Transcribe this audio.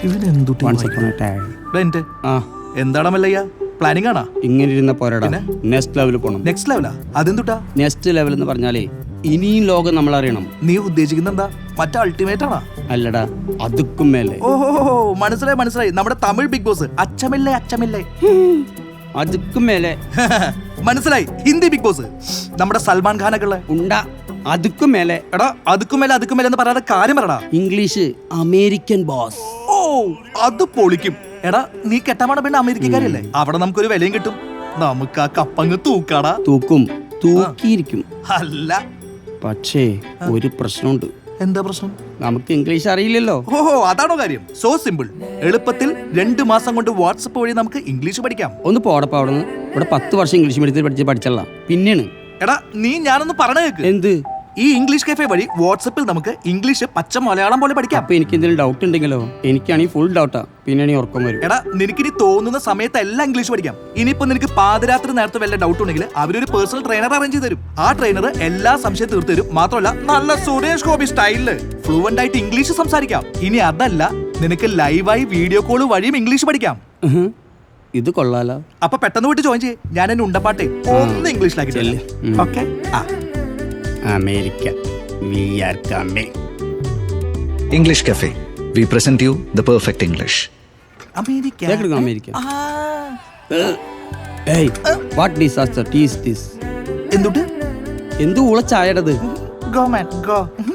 എന്താടാ മല്ലയ്യ, പ്ലാനിങ് ആണോ? ഇങ്ങനെ ഇരുന്ന പോരാടാ, നെക്സ്റ്റ് ലെവലിൽ പോണം. നെക്സ്റ്റ് ലെവലാ? അതെന്തുട്ടാ നെക്സ്റ്റ് ലെവൽ എന്ന് പറഞ്ഞാലേ ഇനിയും ലോകം നമ്മൾ അറിയണം. നീ ഉദ്ദേശിക്കുന്ന എന്താ? മറ്റേ അൾട്ടിമേറ്റ് ആണോ? അല്ലടാ, അതുക്കും മേലെ. ഓഹോ, മനസ്സിലായി മനസ്സിലായി. നമ്മുടെ തമിഴ് ബിഗ് ബോസ്. അച്ചമില്ലേ അച്ചമില്ലേ? അതുക്കും മേലെ. മനസ്സിലായി, ഹിന്ദി ബിഗ് ബോസ്. നമ്മുടെ സൽമാൻ ഖാനൊക്കെ ഉള്ള ഉണ്ടാ. അതുക്കും മേലെ. എടാ അതുക്കും മേലെ എന്ന് പറയാതെ കാര്യം പറടാ. English American boss. ഓ, അത് പൊളിക്കും. എടാ നീ കെട്ടമാണ് പെണ്ണ് അമേരിക്കക്കാരല്ലേ? അവിടെ നമുക്കൊരു വിലയും കിട്ടും. നമുക്ക് ആ കപ്പങ്ങ് തൂക്കാടാ. തൂക്കും, തൂക്കിയിരിക്കും. അല്ല, പക്ഷേ ഒരു പ്രശ്നമുണ്ട്. എന്താ പ്രശ്നം? നമുക്ക് ഇംഗ്ലീഷ് അറിയില്ലല്ലോ. ഓഹോ, അതാണോ കാര്യം? So simple. എളുപ്പത്തിൽ 2 മാസം കൊണ്ട് വാട്സപ്പ് വഴി നമുക്ക് ഇംഗ്ലീഷ് പഠിക്കാം. ഒന്ന് പോടപ്പ അവിടുന്ന്. ഇവിടെ 10 വർഷം ഇംഗ്ലീഷ് മീഡിയത്തിൽ പഠിച്ചല്ല. പിന്നെയാണ്. എടാ നീ ഞാനൊന്ന് പറഞ്ഞു കേക്ക്. എന്ത്? ഈ ഇംഗ്ലീഷ് കഫേ വഴി വാട്സപ്പിൽ നമുക്ക് ഇംഗ്ലീഷ് പച്ച മലയാളം പോലെ പഠിക്കാം. അപ്പൊ എനിക്ക് എന്തെങ്കിലും ഡൗട്ട് ഉണ്ടെങ്കിലോ? എനിക്കാണെങ്കിൽ ഫുൾ ഡൗട്ടാ. പിന്നെയാണ് ഉറക്കം വരും. എടാ നിനക്കിനി തോന്നുന്ന സമയത്ത് എല്ലാം ഇംഗ്ലീഷ് പഠിക്കാം. ഇനിയിപ്പോ നിനക്ക് പാതിരാത്രി നേരത്തെ വല്ല ഡൗട്ട് ഉണ്ടെങ്കിൽ അവരൊരു പേഴ്സണൽ ട്രെയിനർ അറേഞ്ച് ചെയ്ത് തരും. ആ ട്രെയിനർ എല്ലാ സംശയം തീർത്തു തരും. മാത്രമല്ല നല്ല സുരേഷ് ഗോപി സ്റ്റൈലില് ഫ്ലുവന്റ് ആയിട്ട് ഇംഗ്ലീഷ് സംസാരിക്കാം. ഇനി അതല്ല, നിനക്ക് ലൈവായി വീഡിയോ കോൾ വഴിയും ഇംഗ്ലീഷ് പഠിക്കാം. ഇത് കൊള്ളാലോ. അപ്പൊ പെട്ടെന്ന് പോയിട്ട് ജോയിൻ ചെയ്യ്. ഞാൻ എന്നെ ഉണ്ടപ്പാട്ടെ ഒന്ന് ഇംഗ്ലീഷിലാക്കി. Okay. America, we are coming. English Cafe. We present you the perfect English. America. America. Hey, what disaster is this? എന്തുട്ട്? എന്ത് ഊളച്ചായടത്? Go man, go.